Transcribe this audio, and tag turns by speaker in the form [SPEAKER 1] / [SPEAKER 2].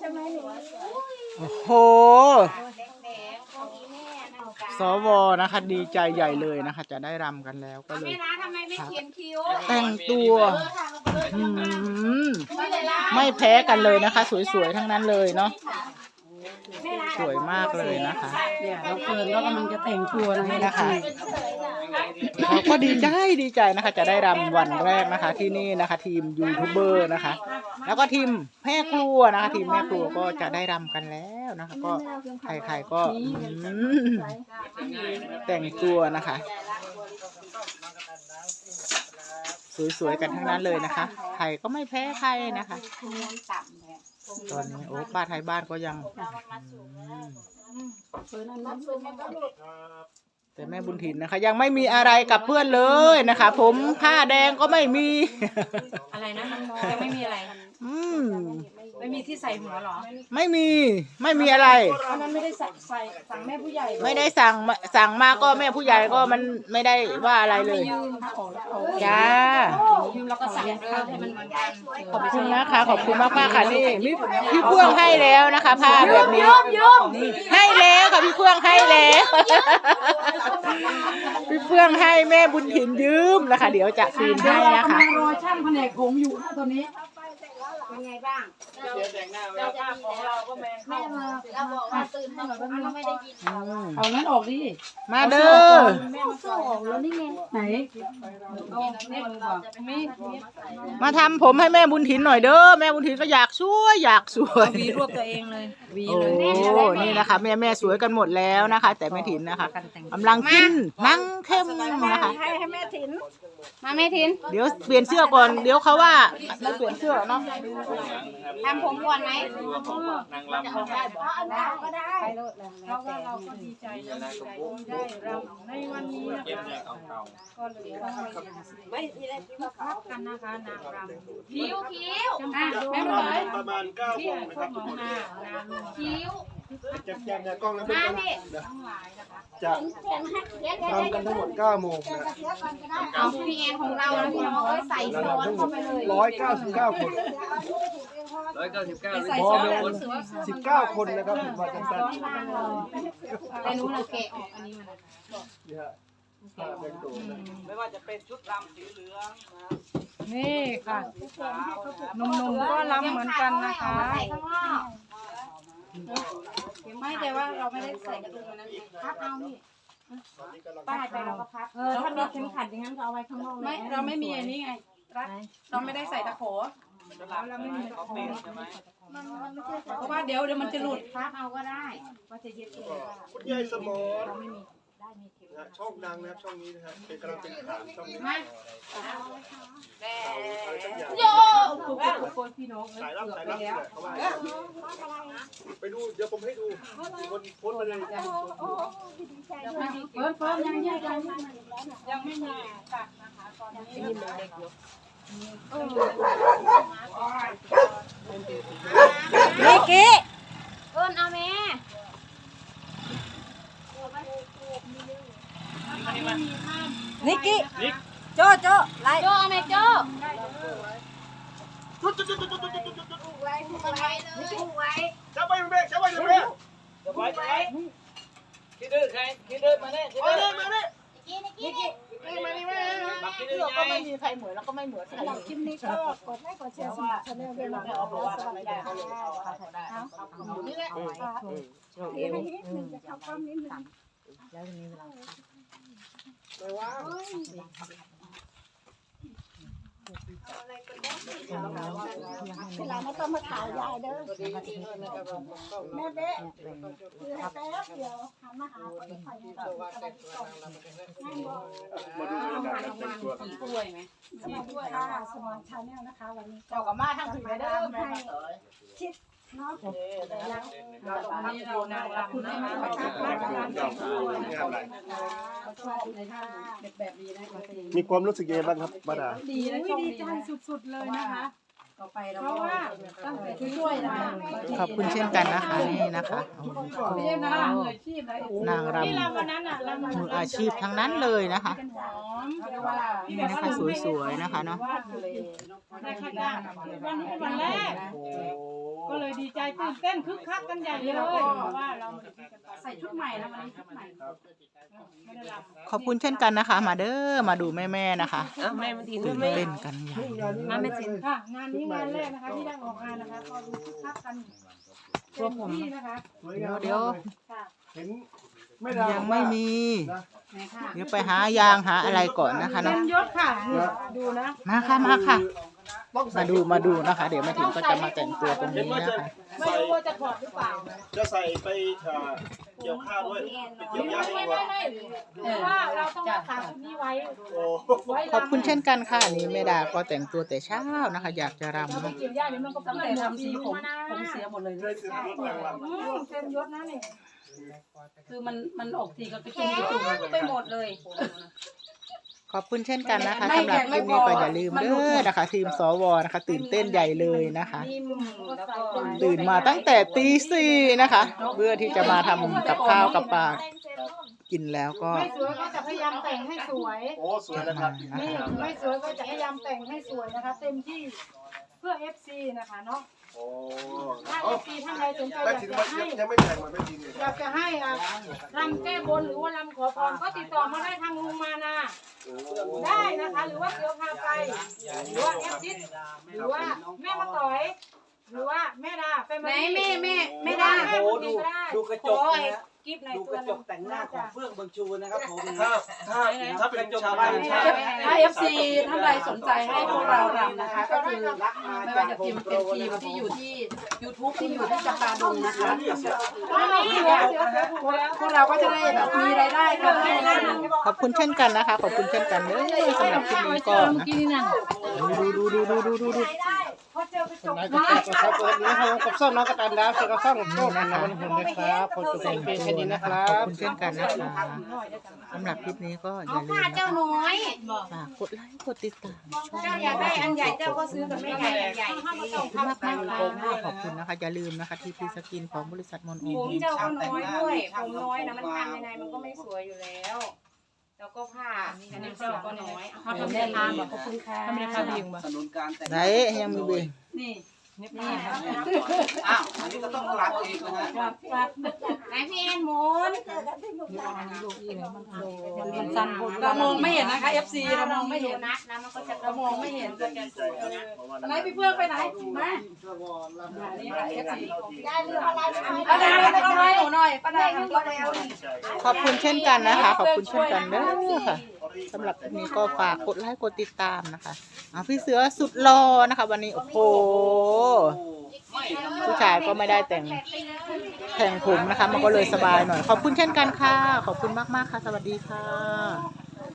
[SPEAKER 1] ไหมหนู
[SPEAKER 2] โอ้โหสวนะคะ ดีใจใหญ่เลยนะคะ จะได้รำกันแล้วก็เลย
[SPEAKER 3] แม่นะทำไมไม่เขียนคิ้ว
[SPEAKER 2] แต่งตัวไม่แพ้กันเลยนะคะ สวยๆทั้งนั้นเลยเนาะสวยมากเลยนะคะ
[SPEAKER 1] เนี่ยเราเฟิร์นก็กำลังจะแต่งตัวนะ
[SPEAKER 2] นี่
[SPEAKER 1] คะ
[SPEAKER 2] นะคะเราก็ดีใจนะคะ จะได้รำวันแรกนะคะ ที่นี่นะคะ ทีมยูทูบเบอร์นะคะ แล้วก็ทีมแม่ครัวนะคะ ทีมแม่ครัวก็จะได้รำกันแล้วนะคะ ก็ใครๆก็แต่งตัวนะคะ สวยๆกันทั้งนั้นเลยนะคะใครก็ไม่แพ้ใครนะคะตอนนี้โอ้ป้าไทยบ้านก็ยังแต่แม่บุญถิ่นนะคะ ยังไม่มีอะไรกับเพื่อนเลยนะคะ ผมผ้าแดงก็ไม่มี
[SPEAKER 3] อะไรนะยังไม่มีอะไร ไม่มีที่ใส่หัวหรอ
[SPEAKER 2] ไม่มีอะไร
[SPEAKER 1] อันนั้นไม่ได้สั่งแม่ผู้ใหญ่
[SPEAKER 2] ไม่ได้สั่งมาก็แม่ผู้ใหญ่ก็มันไม่ได้ว่าอะไรเลยจ้า
[SPEAKER 3] ยืมแล้วก็ใส่เดิมให้มันเหมือนกัน
[SPEAKER 2] ขอบคุณนะคะขอบคุณมากๆค่ะนี่พี่เพื่องให้แล้วนะคะผ้าแบบนี้ให้แล้วค่ะพี่เพื่องให้แล้วพี่เพื่องให้แม่บุญถิ่นยืมแล้วค่ะเดี๋ยวจะคืนให้นะคะ
[SPEAKER 1] กำลังรอช่างแผนกผมอยู่นะตอนนี้
[SPEAKER 3] เป็นไงบ้าง
[SPEAKER 1] เราจะของเราก็แมงเข้ามา
[SPEAKER 3] เราบอกว่าตื่นมาเราไม่ได้ยิน
[SPEAKER 1] เอานั้นออกดิ
[SPEAKER 2] มาเด้อ
[SPEAKER 1] แม่มาเข้าออกแล้วนี่ไงไหน
[SPEAKER 2] มาทำผมให้แม่บุญถิ่นหน่อยเด้อแม่บุญถิ่นก็อยากสวย
[SPEAKER 3] วีรวบตัวเองเลยวี
[SPEAKER 2] โอ้
[SPEAKER 3] เลย
[SPEAKER 2] นี่นะคะแม่สวยกันหมดแล้วนะคะ แต่แม่ถิ่นนะคะกำลังกินนั่งเข้มนะคะ
[SPEAKER 1] ให้แม่ถิน
[SPEAKER 3] มาแม่ทิน
[SPEAKER 2] เดี๋ยวเปลี่ยนเสื้อก่อนเดี๋ยวเขาว่าไม่เปลี่ยนเสื้อเนาะ
[SPEAKER 3] ทำผมก่อนไหม
[SPEAKER 4] นางรำของ
[SPEAKER 3] ได้ก็ได้
[SPEAKER 1] เพราะว่าเราก็ดีใจนะดีใจที่ได้เราในวันนี้นะ
[SPEAKER 4] เก็บ
[SPEAKER 1] คะ
[SPEAKER 4] เนี่ยเก่า
[SPEAKER 1] ก็เลยต้องไม่พักกันนะคะนางรำ
[SPEAKER 3] คิ้ว
[SPEAKER 1] แม่เลย
[SPEAKER 5] ประมาณ9 โมงนะครับทุกคน
[SPEAKER 3] คิ้ว
[SPEAKER 5] แจ้งกล้องแล้วเป็น
[SPEAKER 3] มาพี่
[SPEAKER 5] จะทำกันทั้งหมด9 โมงนะ
[SPEAKER 3] เอาพี่แอนของเรานะพี่น้องใส่ซ้อนเข้าไปเลย
[SPEAKER 5] 199 คน
[SPEAKER 4] 199
[SPEAKER 5] พอแมน19 คนนะครับถึงวันจันทร์
[SPEAKER 3] แต่นู้นเราแกะออกอันนี้มัน
[SPEAKER 5] นี่ฮะผ้าแดงโตนะ
[SPEAKER 4] ไม่ว่าจะเป็นชุดรำสีเหลืองนะ
[SPEAKER 1] นี่ค่ะหนุ่มๆก็รำเหมือนกันนะคะ
[SPEAKER 3] ใส่ข้างนอก
[SPEAKER 1] ไม่แต่ว่าเราไม่ได้ใส่กระดุมนั้น
[SPEAKER 3] พับเอานี่
[SPEAKER 1] ป้ายไปเราก็พับถ้ามีเข็มขัดอย่างนั้นก็เอาไว้ข้างนอกไม่เราไม่มีอันนี้ไงรัดเราไม่ได้ใส่ตะขอ
[SPEAKER 4] ชุดรำเราไม่มีเขาเปลี่ยนใช่ไหม
[SPEAKER 1] เพราะว่าเดี๋ยวมันจะหลุด
[SPEAKER 3] พับเอาก็ได้
[SPEAKER 5] คุณยายสมรนะฮะช่องดังนะครับช่องนี้นะฮะเป็นกำลังเป็นฐานช่องนี้
[SPEAKER 3] มา
[SPEAKER 5] อะไรสักอย่าง
[SPEAKER 3] โย
[SPEAKER 1] พี่น้อง
[SPEAKER 5] สายรับนี่แหละเขาว่าไปดูเดี๋ยวผมให้ดูคนโพสต์มาเลย
[SPEAKER 1] เฟิร์นยังไม่มีตัดนะคะตอนนี้
[SPEAKER 3] นิกกี้เอิ้นเอาแม่
[SPEAKER 6] นิกกี้โจไล่
[SPEAKER 3] โจเอาแม่โจ
[SPEAKER 5] จับไว้เบรกจับไว้เบรก
[SPEAKER 4] จะไว้คิดดื้อใครคิดดื้อมาเนี่ยคิดดื้อ
[SPEAKER 5] มาเนี่ย
[SPEAKER 3] นิกกี้
[SPEAKER 5] มานี่มา
[SPEAKER 4] บักคิดดื้อ
[SPEAKER 2] เสื้อ
[SPEAKER 4] ไง
[SPEAKER 2] ก็ไม่มีใครเหมือนแล้วก็ไม่เหมือนใครเลย
[SPEAKER 1] คลิปนี้ก็กดไลค์กดแชร์สมัครชาแนลด้วยนะคะสวัสดีค่ะ
[SPEAKER 2] นี่แหละ
[SPEAKER 1] ให้นิดนึงจะเข้าความนิดนึง
[SPEAKER 5] ไม่ว่า
[SPEAKER 1] เวลาไม่ต้องมาถ่ายยายเด้อแม่เบ๊ะคือแป๊บเดียวทำมาหาคนไทยนั่งบอก
[SPEAKER 5] มาดูการแต่งตัวครับ
[SPEAKER 3] กล้วยไหม
[SPEAKER 1] สวัสดีค่ะสมอนชาแนลนะคะวันนี้
[SPEAKER 2] เจ้ากับมาทั้งถึงเด้อแม่เต๋อ
[SPEAKER 1] ชิดเนาะ
[SPEAKER 3] วันนี้เรานางรำนะคะ
[SPEAKER 1] เขาชอบในท่าแบบนี้นะ
[SPEAKER 5] มีความรู้สึกยังไงบ้างครับบ้าดา
[SPEAKER 1] ดีนะดีใจสุดๆเลยนะคะต่อไปเราเพราะว่าตั้งแต่ช่วยนะ
[SPEAKER 2] ขอบคุณเช่นกันนะคะนี่นะคะ
[SPEAKER 1] ไม่ใช่นะมืออาชีพนะ
[SPEAKER 2] นางรำ
[SPEAKER 1] ที่เราวันนั้นอ่ะเรา
[SPEAKER 2] มืออาชีพทั้งนั้นเลยนะคะ
[SPEAKER 1] หอมเรียกว่า
[SPEAKER 2] นี่นะคะสวยๆนะคะเนาะ
[SPEAKER 1] วาดเลยในข้างหน้าวันนี้เป็นวันแรก
[SPEAKER 5] โอ้
[SPEAKER 7] ก็เลยดีใจตื่นเต้นคึกคักกันใหญ่เลยเพราะว่าเราใส่ชุดใหม่นะวันนี้ชุดใหม่ไม่ได้รับ
[SPEAKER 2] ขอบคุณเช่นกันนะคะ มาเด้อมาดูแม่ๆนะคะ
[SPEAKER 3] แม่มาที
[SPEAKER 2] ตื่นเต้นกันอย่าง
[SPEAKER 5] มาไม่จริง
[SPEAKER 7] ค่ะงานนี้งานแรกนะคะที่ได้ออกงานนะคะก็ดูคึกคักกันตัวผมนะคะ
[SPEAKER 2] เดี๋ยว
[SPEAKER 7] ค่ะ
[SPEAKER 5] เห็นไม่ได้
[SPEAKER 2] ยังไม่มี
[SPEAKER 7] ไหนค่ะ
[SPEAKER 2] เดี๋ยวไปหายางหาอะไรก่อนนะคะ
[SPEAKER 7] เต็
[SPEAKER 2] เนาะ
[SPEAKER 7] มยศค่ะดูนะ
[SPEAKER 2] มาค่ะมาค่ะ
[SPEAKER 5] ต้องใส่
[SPEAKER 2] มาดูนะคะ เดี๋ยวมาถึงก็จะมาแต่งตัวตรงนี้นะคะ
[SPEAKER 7] ไม่รู้ว่าจะถอดหรือเปล่า
[SPEAKER 5] จะใส่ไปเกี่ยวข้าวด้วยไปเกี่ยวหญ้าให้วัว
[SPEAKER 7] เพราะว่าเราต้องรักษาชุดนี้ไว้
[SPEAKER 5] โอ้
[SPEAKER 7] ไว้
[SPEAKER 2] ขอบคุณเช่นกันค่ะนี่แม่ดาก็แต่งตัวแต่เช้านะคะ อยากจะรำ
[SPEAKER 7] เราไป
[SPEAKER 2] เนาะ
[SPEAKER 7] เกี่ยวหญ้าเดี๋ยวมันก็
[SPEAKER 6] ตั้ง
[SPEAKER 7] เปื้อน
[SPEAKER 6] แต่
[SPEAKER 7] หมด
[SPEAKER 6] ทำสีผมเสียหมดเลย
[SPEAKER 5] ได้ซื้อรถรางวัล
[SPEAKER 7] เต็มยศนะนี่
[SPEAKER 6] คือมันออกสีก็กระจุกไปหมดเลย
[SPEAKER 2] ขอบคุณเช่นกันนะคะสำหรับคลิปนี้ก็อย่าลืมเด้อนะคะ ทีมสวนะคะ ตื่นเต้นใหญ่เลยนะคะ
[SPEAKER 6] นิ่มแล้วก็
[SPEAKER 2] ตื่นมาตั้งแต่ตีสี่นะคะ เพื่อที่จะมาทำกับข้าวกับปลากินแล้วก็
[SPEAKER 7] ไม่สวยก็จะพยายามแต่งให้สวย
[SPEAKER 5] โอ้สวยนะครับ
[SPEAKER 7] นี่ไม่สวยก็จะพยายามแต่งให้สวยนะคะ เต็มที่เพื่อ FC นะคะเนาะ
[SPEAKER 5] โอ้
[SPEAKER 7] ถ้า FC ท่านใดสนใจอ
[SPEAKER 5] แม่
[SPEAKER 7] ยาก
[SPEAKER 5] ถิน
[SPEAKER 7] จะ
[SPEAKER 5] ว่า
[SPEAKER 7] ให้
[SPEAKER 5] ยังไม่แต่งมาแม่ถินเลย
[SPEAKER 7] อยากจะให้รำแก้บนหรือว่ารำขอพรก็ติดต่อมาได้ทางลุงมานาได้นะคะ หรือว่าเสือพาไปหรือว่าเอฟซิสหรือว่าแม่มาต่อย หรือว่าแม่ดาไป
[SPEAKER 6] ไหนแม่
[SPEAKER 7] แม่
[SPEAKER 6] ได้
[SPEAKER 7] ดาแม่บุญก็ได้
[SPEAKER 4] ดูกระจกนะฮะ
[SPEAKER 7] กิฟใน
[SPEAKER 4] ดู
[SPEAKER 7] ตั
[SPEAKER 4] ก
[SPEAKER 7] ว
[SPEAKER 4] ระจกแต่งหน้าของเฟื่องบางชูนะครับผม
[SPEAKER 5] ถ้าเป็นชาวบ้าน
[SPEAKER 6] ถ้า FC ท่านใดสนใจให้พวกเรารำนะคะ ก็คือไม่ว่าจะพิมพ์เป็นทีมที่อยู่ที่ YouTube ที่อยู่ที่จำปาดงนะคะ พวกเราก็จะได้แบบมีรายได้กันให้นะ
[SPEAKER 2] ขอบคุณเช่นกันนะคะ ขอบคุณเช่นกันเด้อสำหรับคลิปนี้ก็นะดู
[SPEAKER 7] พอเจอกระจก
[SPEAKER 4] ครับวันนี้ผมกับส้มน้องกระตันดาวเสือกระซ่องโชคนะวันนี้ผมนะครับผมจะแต่งเป็นแค่นี้นะครั
[SPEAKER 2] ขอบบ คุณเช่นกันนะคะสำหรับคลิปนี้ก็อย่าลืมนะคะ
[SPEAKER 6] เจ้าน้อย
[SPEAKER 2] ฝากกดไลค์กดติดตามช่อง
[SPEAKER 6] เจ้าอยากได้อันใหญ่เจ้าก็ซื้อกับแม่ใหญ่อันใหญ่
[SPEAKER 2] ขอบคุณมากค่ะขอบคุณนะคะอย่าลืมนะคะทีพีสกินของบริษัทมอนโอ
[SPEAKER 6] ผมเจ้าก็น้อยด้วยผมน้อยนะมันทำยังไงมันก็ไม่สวยอยู่แล้ว แล้วก็ผ้าอันนี้เจ้าก็น้อยเขาทำได้ทานบอกขอบคุณค่ะทำได้ทานเอง
[SPEAKER 4] สนุนการแต่ง
[SPEAKER 2] ไหนยังมีเบง
[SPEAKER 6] นี่
[SPEAKER 4] อ้าวอันนี้ก็ต้องรัดเองนะฮะ
[SPEAKER 6] ไหนพี่แอนหมุน
[SPEAKER 1] เจอกันที่มุกดาหาร
[SPEAKER 6] เรามองไม่เห็นนะคะ FC เรามองไม่เห็น
[SPEAKER 3] นัดนะมันก็จะ
[SPEAKER 6] เรามองไม่เห็น
[SPEAKER 5] ดีใจครับเพราะว่า
[SPEAKER 6] ไหนพี่เพื่อนไปไหนมานี่ค่ะ FC
[SPEAKER 1] ยายลืมอะไรไป
[SPEAKER 6] ป้าดาต้องให้หนูหน่อยป้าดาทำก็แล้ว
[SPEAKER 5] ดีใจ
[SPEAKER 2] ขอบคุณเช่นกันนะคะ ขอบคุณเช่นกันเด้อค่ะสำหรับคลิปนี้ก็ฝากกดไลค์กดติดตามนะคะพี่เสือสุดหล่อนะคะ วันนี้โอ้โหผู้ชายก็ไม่ได้แต่งผมนะคะ มันก็เลยสบายหน่อย ขอบคุณเช่นกันค่ะ ขอบคุณมากๆค่ะ สวัสดีค่ะ